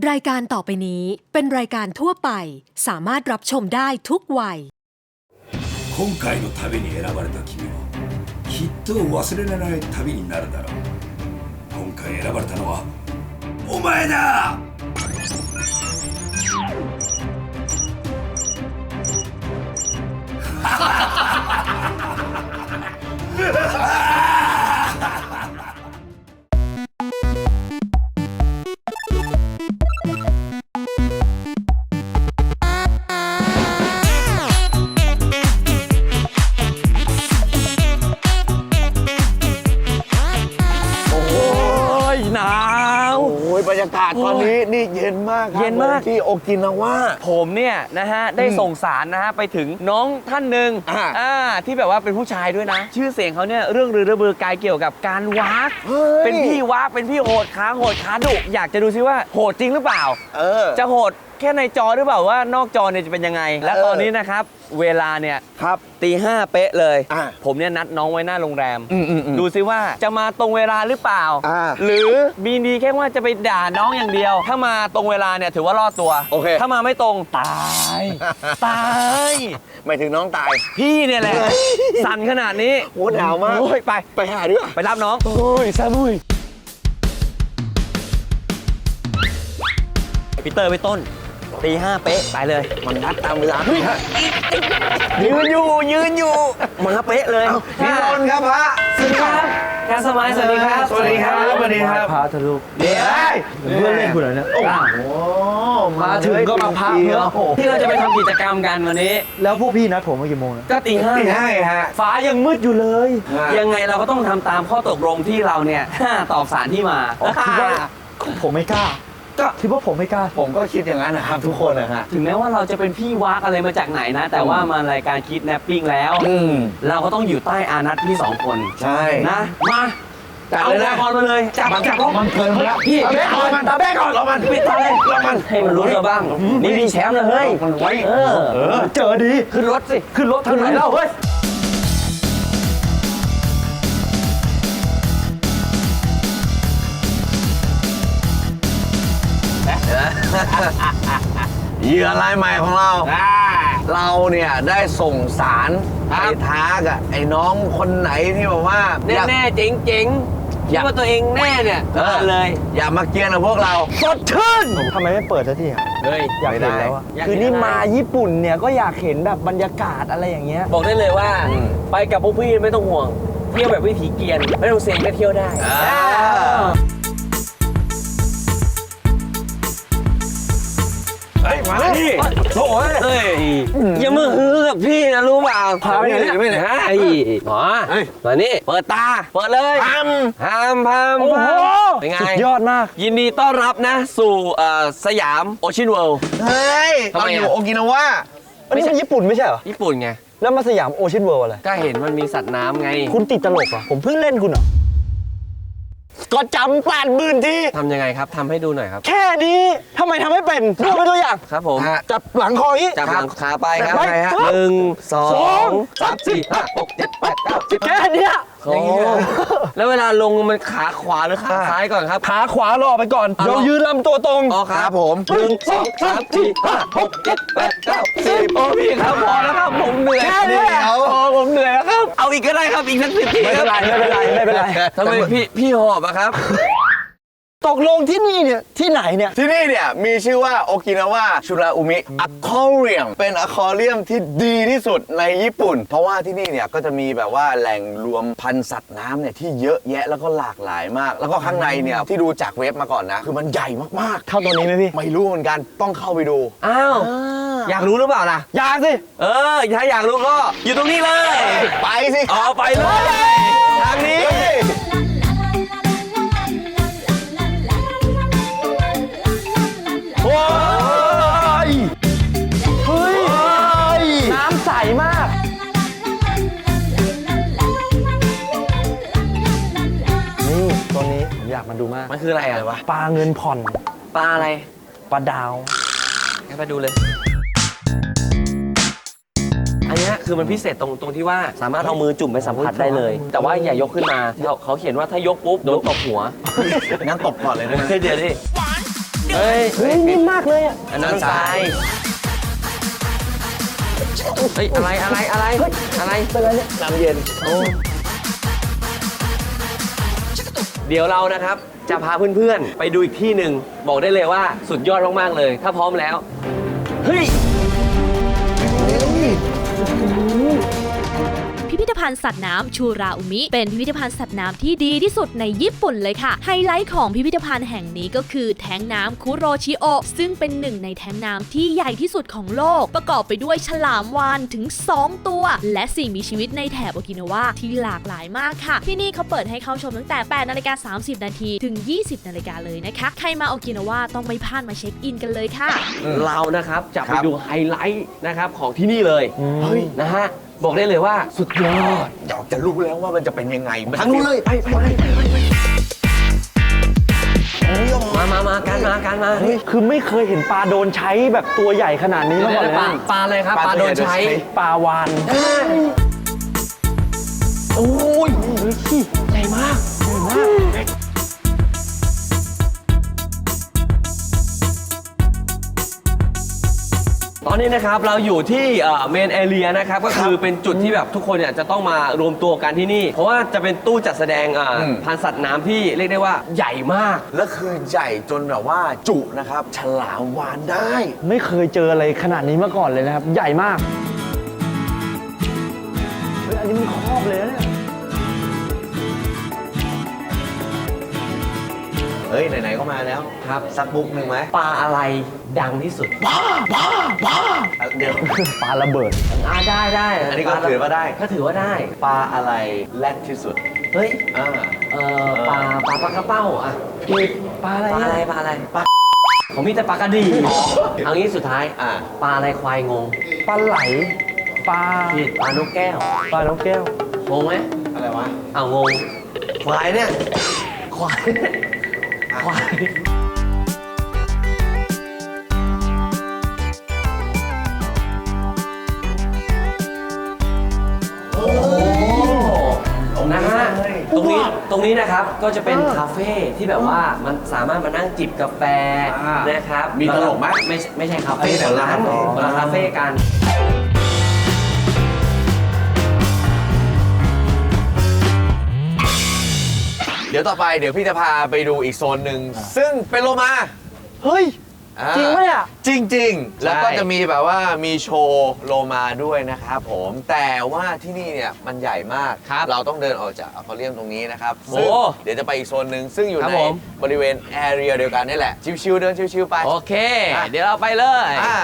รายการต่อไปนี้เป็นรายการทั่วไปสามารถรับชมได้ทุกวัย今回の旅に選ばれた君もきっと忘れられない旅になるだろう。今回選ばれたのはお前だ。 หนาวโอ้ยบรรยากาศตอนนี้นี่เย็นมากครับเย็นมากที่โอกินาวาผมเนี่ยนะฮะได้ส่งสารนะฮะไปถึงน้องท่านหนึ่ง ที่แบบว่าเป็นผู้ชายด้วยนะ ชื่อเสียงเขาเนี่ยเรื่องลือระเบือไกลเกี่ยวกับการวากเป็นพี่วากเป็นพี่โหดขาดุอยากจะดูซิว่าโหดจริงหรือเปล่าจะโหดแค่ในจอหรือเปล่าว่านอกจอเนี่ยจะเป็นยังไงและตอนนี้นะครับเวลาเนี่ยครับ 5:00 เป๊ะเลยผมเนี่ยนัดน้องไว้หน้าโรงแรมดูซิว่าจะมาตรงเวลาหรือเปล่าหรือมีดีแค่ว่าจะไปด่าน้องอย่างเดียว ถ้ามาตรงเวลาเนี่ยถือว่ารอดตัวโอเคถ้ามาไม่ตรงตายหมายถึงน้องตายพี่เนี่ยแหละสั่นขนาดนี้โหหนาวมากโอ้ยไปหาด้วยไปรับน้องโอ้ยซาบุยพีเตอร์ไปต้น5:00 เป๊ะไปเลยมันนัดตามเวลายืนอยู่มาเป๊ะเลยพี่นนท์ครับพระสวัสดีครับการสมัยสวัสดีครับสวัสดีครับพระทะลุเดี๋ยวเพื่อนเล่นคุณเหรอเนี่ยมาถึงก็มาพักเนาะที่เราจะไปทำกิจกรรมกันวันนี้แล้วพวกพี่นัดผมมากี่โมงนะก็ 5:00ฮะฟ้ายังมืดอยู่เลยยังไงเราก็ต้องทำตามข้อตกลงที่เราเนี่ยตอบสารที่มาคิดว่าผมไม่กล้าก็คิดว่าผมไม่กล้าผมก็คิดอย่างนั้นนะครับทุกคนนะฮะถึงแม้ว่าเราจะเป็นพี่วากอะไรมาจากไหนนะแต่ว่ามารายการคิดแนปปิ้งแล้วเราก็ต้องอยู่ใต้อานัตพี่2คนใช่นะมาเอาอุปกรณ์มาเลยจับมันเกินไปแล้วพี่ตาแบกก่อนรอมันปิดตาเลยรอมันให้มันรู้เราบ้างนี่มีแชมป์เลยเฮ้ยมันไว้เจอดีขึ้นรถสิขึ้นรถทางไหนเล่าเฮ้ยเหยื่อรายใหม่ของเราเนี่ยได้ส่งสารไปท้ากับไอ้น้องคนไหนที่บอกว่าแน่เจ๋งคิดว่าตัวเองแน่เนี่ยเลยอย่ามาเกียนกับพวกเราสดชื่นทำไมไม่เปิดสักทีเฮ้ยอยากเห็นแล้วคือนี่มาญี่ปุ่นเนี่ยก็อยากเห็นแบบบรรยากาศอะไรอย่างเงี้ยบอกได้เลยว่าไปกับพวกพี่ไม่ต้องห่วงเที่ยวแบบวิถีเกียนไม่ต้องเซ็งก็เที่ยวได้มาดิโถ่เฮ้ยอย่ามาฮือกับพี่นะรู้เปล่าพาไปไหนไม่ไหนไอ้หมอมานี่เปิดตาเปิดเลยพามโอ้โหเป็นไงสุดยอดมากยินดีต้อนรับนะสู่สยามโอเชียนเวิลด์เฮ้ยเราอยู่โอกินาวาอันนี้ญี่ปุ่นไม่ใช่เหรอญี่ปุ่นไงแล้วมาสยามโอเชียนเวิลด์อะไรก็เห็นมันมีสัตว์น้ำไงคุณติดตลกอ่ะผมเพิ่งเล่นคุณเหรอก็จำ80,000 ทีทำยังไงครับทำให้ดูหน่อยครับแค่นี้ทำไมทำไม่เป็นดูเป็นตัวอย่างครับผมจับหลังคออย่างนี้จับหลังขาไปครับ1 2 3 4 5 6 7 8 9 10 แค่นี้แล้วเวลาลงมันขาขวาหรือขาซ้ายก่อนครับขาขวารอไปก่อนเรายืนลำตัวตรงอ๋อครับผม1 2 3 4 5 6 7 8 9 10โอ้พี่ครับพอแล้วครับผมเหนื่อยแค่นี้ผมเหนื่อยแล้วครับเอาอีกก็ได้ครับอีกสัก10 ทีไม่เป็นไรทำไมพี่หอบอะครับตกลงที่นี่เนี่ยที่ไหนเนี่ยที่นี่เนี่ยมีชื่อว่าโอกินาวาชูราอุมิอะคอเรียมเป็นอะคอเรียมที่ดีที่สุดในญี่ปุ่นเพราะว่าที่นี่เนี่ยก็จะมีแบบว่าแหล่งรวมพันธุ์สัตว์น้ำเนี่ยที่เยอะแยะแล้วก็หลากหลายมากแล้วก็ข้างในเนี่ยที่ดูจากเว็บมาก่อนนะคือมันใหญ่มากๆเท่าตัวนี้ไหมพี่ไม่รู้เหมือนกันต้องเข้าไปดูอ้าวอยากรู้หรือเปล่าล่ะอยากสิถ้าอยากรู้ก็อยู่ตรงนี้เลยไปสิไปเลยทางนี้เฮ้ยน้ำใสมากนี่ตัวนี้ผมอยากมาดูมากมันคืออะไรวะปลาเงินผ่อนปลาอะไรปลาดาวงั้นไปดูเลยอันนี้คือมันพิเศษตรงที่ว่าสามารถเอามือจุ่มไปสัมผัสได้เลยแต่ว่าอย่ายกขึ้นมาเขาเขียนว่าถ้ายกปุ๊บโดนตบหัวงั้นตบก่อนเลยนะเดี๋ยวดิเฮ้ยเฮ้ยนิ่มมากเลยอ่ะอันนั้นทรายเฮ้ยอะไรอะไรอะไรอะไรเป็นไรเนี่ยน้ำเย็นเดี๋ยวเรานะครับจะพาเพื่อนๆ ไปดูอีกที่หนึ่งบอกได้เลยว่าสุดยอดมากๆเลย ถ้าพร้อมแล้วเฮ้ยพิพิธภัณฑ์สัตว์น้ำชูราอุมิเป็นพิพิธภัณฑ์สัตว์น้ำที่ดีที่สุดในญี่ปุ่นเลยค่ะไฮไลท์ของพิพิธภัณฑ์แห่งนี้ก็คือแท้งน้ำคุโรชิโอซึ่งเป็นหนึ่งในแท้งน้ำที่ใหญ่ที่สุดของโลกประกอบไปด้วยฉลามวาฬถึง 2 ตัว และสิ่งมีชีวิตในแถบโอกินาวาที่หลากหลายมากค่ะที่นี่เขาเปิดให้เข้าชมตั้งแต่ 8:30 น.ถึง 20 นาฬิกาเลยนะคะใครมาโอกินาวาต้องไม่พลาดมาเช็คอินกันเลยค่ะเรานะครับจะไปดูไฮไลท์นะครับของที่นี่เลยเฮ้ยนะฮะบอกได้เลยว่าสุดยอดอยากจะรู้แล้วว่ามันจะเป็นยังไงทางนู้นเลยไปมาการมาเฮ้ยคือไม่เคยเห็นปลาโดนใช้แบบตัวใหญ่ขนาดนี้มาก่อนเลยปลานะปลาอะไรครับปลาโดนใช้ปลาวานโอ้ยใหญ่มากตอนนี้นะครับเราอยู่ที่เมนแอเรียนะครับก็คือเป็นจุดที่แบบทุกคนเนี่ยจะต้องมารวมตัวกันที่นี่ เพราะว่าจะเป็นตู้จัดแสดงพันธุ์สัตว์น้ำที่เรียกได้ว่าใหญ่มากแล้วคือใหญ่จนแบบว่าจุนะครับ ฉลามวาฬได้ไม่เคยเจออะไรขนาดนี้มาก่อนเลยนะครับ ใหญ่มากเฮ้ยอันนี้มันครอบเลยนะเนี่ยเฮ้ย ไหน ๆ ก็มาแล้วครับสักบุ๊กหนึ่งไหมปลาอะไรดังที่สุดเดี๋ยวปลาระเบิดได้อันนี้ก็ถือว่าได้ก็ถือว่าได้ปลาอะไรแรดที่สุดเฮ้ยอ่าปลากระเป้าอ่ะปลาอะไรปลาอะไรอะปลาอะไรปลาผมมีแต่ปลากระดีเอางี้สุดท้ายอ่าปลาอะไรควายงงปลาไหล ปลาผิดปลานกแก้วปลานกแก้วงงไหมอะไรวะเอางงควายเนี่ยควายควาย นะฮะตรงนี้นะครับก็จะเป็นคาเฟ่ที่แบบว่ามันสามารถมานั่งจิบกาแฟนะครับมีตลกไหมไม่ใช่คาเฟ่แบบนั้นอ๋อคนละคาเฟ่กันเดี๋ยวต่อไปเดี๋ยวพี่จะพาไปดูอีกโซนหนึ่ง ซึ่งเป็นโลมาเฮ้ยอ่าจริงปะเนี่ยจริง ๆ แล้วก็จะมีแบบว่ามีโชว์โลมาด้วยนะครับผมแต่ว่าที่นี่เนี่ยมันใหญ่มากครับเราต้องเดินออกจากอควาเรียมตรงนี้นะครับโอ้ซึ่งเดี๋ยวจะไปอีกโซนหนึ่งซึ่งอยู่ครับในผมบริเวณแอเรียเดียวกันนี่แหละ ชิวๆเดินชิวๆไปโอเค เดี๋ยวเราไปเลยใช่